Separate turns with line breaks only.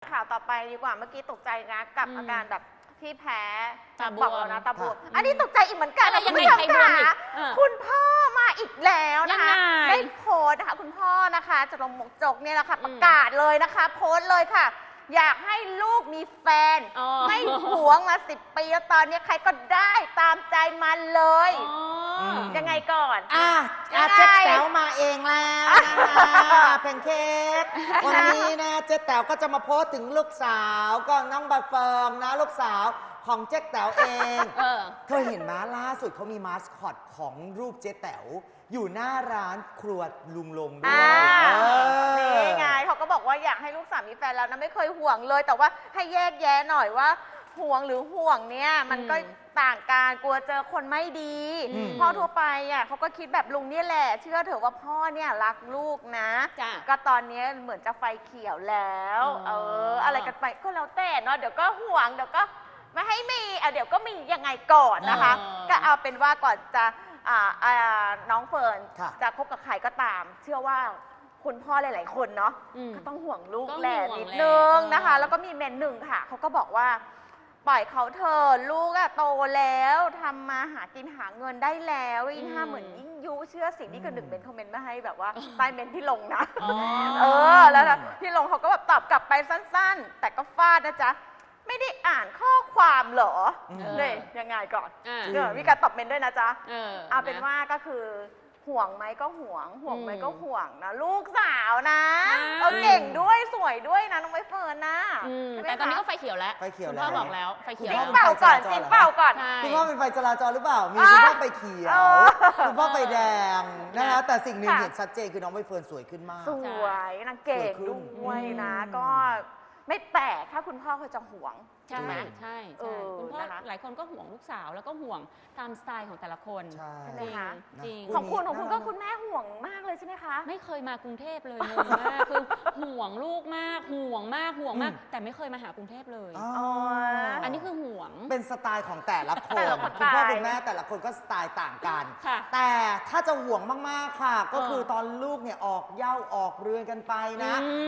ข่าวต่อไปดีกว่าเมื่อกี้ตกใจนะกับอาการแบบที่แพ้
ตาบวม
บอกแล้วนะตาบวมอันนี้ตกใจอีกเหมือนกัน
อะไร
นะคุณ
ยังไง
ผู้ชม
ใครบวมอี
ค่ะ
ก
คุณพ่อมาอีกแล้วนะคะ
ยังไง
ได้โพสต์นะคะคุณพ่อนะคะจรมมกจกเนี่ยแหละค่ะประกาศเลยนะคะโพสต์เลยค่ะ อยากให้ลูกมีแฟน
อ๋อ
ไม่หวงมา10 ปีแล้วตอนนี้ใครก็ได้ตามใจมันเลย
อ๋อ
ยังไงก่อน
เจ๊แต๋วมาเองแล้วนะคะเพนเค้กวันนี้นะเจ๊แต๋วก็จะมาโพสต์ถึงลูกสาวก็น้องใบเฟิร์นนะลูกสาวของเจ๊แต๋วเอง เธอเห็นไหมล่าสุดเขามีมาสคอตของรูปเจ๊แต๋วอยู่หน้าร้านครัวลุงลงด้วย
นี่ไงเขาก็บอกว่าอยากให้ลูกสาวมีแฟนแล้วนะไม่เคยห่วงเลย แต่ว่าให้แยกแยะหน่อยว่าห่วงหรือห่วงเนี่ยมันก็ต่างกันกลัวเจอคนไม่ดีพ่อทั่วไปอ่ะเขาก็คิดแบบลุงเนี่ยแหละเชื่อเถอะว่าพ่อเนี่ยรักลูกนะ ก็ตอนนี้เหมือนจะไฟเขียวแล้วอะไรกันไปก็แล้วแต่เนาะเดี๋ยวก็ห่วงเดี๋ยวก็ไม่ให้มีเดี๋ยวก็มียังไงก่อนนะคะ ก็เอาเป็นว่าก่อนจะน้องเฟิร์นจะคบกับใครก็ตาม เชื่อว่าคุณพ่อหลายๆคนเนาะก็ต้องห่วงลูกแหละนิดนึงนะคะแล้วก็มีเมนหนึ่งค่ะเขาก็บอกว่าปล่อยเขาเถอะลูกโตแล้วทำมาหากินหาเงินได้แล้วยิ่งห้าเหมือนยิ่งยุเชื่อสิ่งที่คือหนึ่งเมนคอมเมนต์มาให้แบบว่าใต้เมนที่ลงนะแล้วที่ลงเขาก็แบบตอบกลับไปสั้นๆแต่ก็ฟาดนะจ๊ะไม่ได้อ่านข้อความเหรอเนี่ยยังไงก่อนมีการตอบเมนด้วยนะจ๊ะเอาเป็นว่าก็คือห่วงไหมก็ห่วงไหมก็ห่วงนะลูกสาวนะเราเก่งด้วยสวยด้วยนะน้องใบเฟิร์นนะ
แต่ตอนนี้ก็ไฟเขียวแล้ว
ไฟเขียว
คุณ
แล้ว
พ่อบอกแล้วไฟเขียว
จิ้มเป่าก่อนจิ้มเป่าก่อน
คุณพ่อเป็นไฟจราจรหรือเปล่ามีคุณพ่อไฟเขียวคุณพ่อไฟแดงนะคะแต่สิ่งหนึ่งเห็นชัดเจนคือน้องใบเฟิร์นสวยขึ้นมาก
สวยนางเก่งด้วยนะก็ไม่แปลกถ้าคุณพ่อเขาจะห่วง
ใช่ใช่คุณพ่อหลายคนก็ห่วงลูกสาวแล้วก็ห่วงตามสไตล์ของแต่ละคน
ใช่
ไหมคะ
จริง
ของคุณก็คุณแม่ห่วงมากเลยใช่ไหมคะ
ไม่เคยมากรุงเทพเลยงงมากคือห่วงลูกมากห่วงมากแต่ไม่เคยมาหากรุงเทพเลยอันนี้คือห่วง
เป็นสไตล์ของแต่ละคนคุณพ่อคุณแม่แต่ละคนก็สไตล์ต่างกันแต่ถ้าจะห่วงมากๆค่ะก็คือตอนลูกเนี่ยออกเหย้าออกเรือนกันไปนะ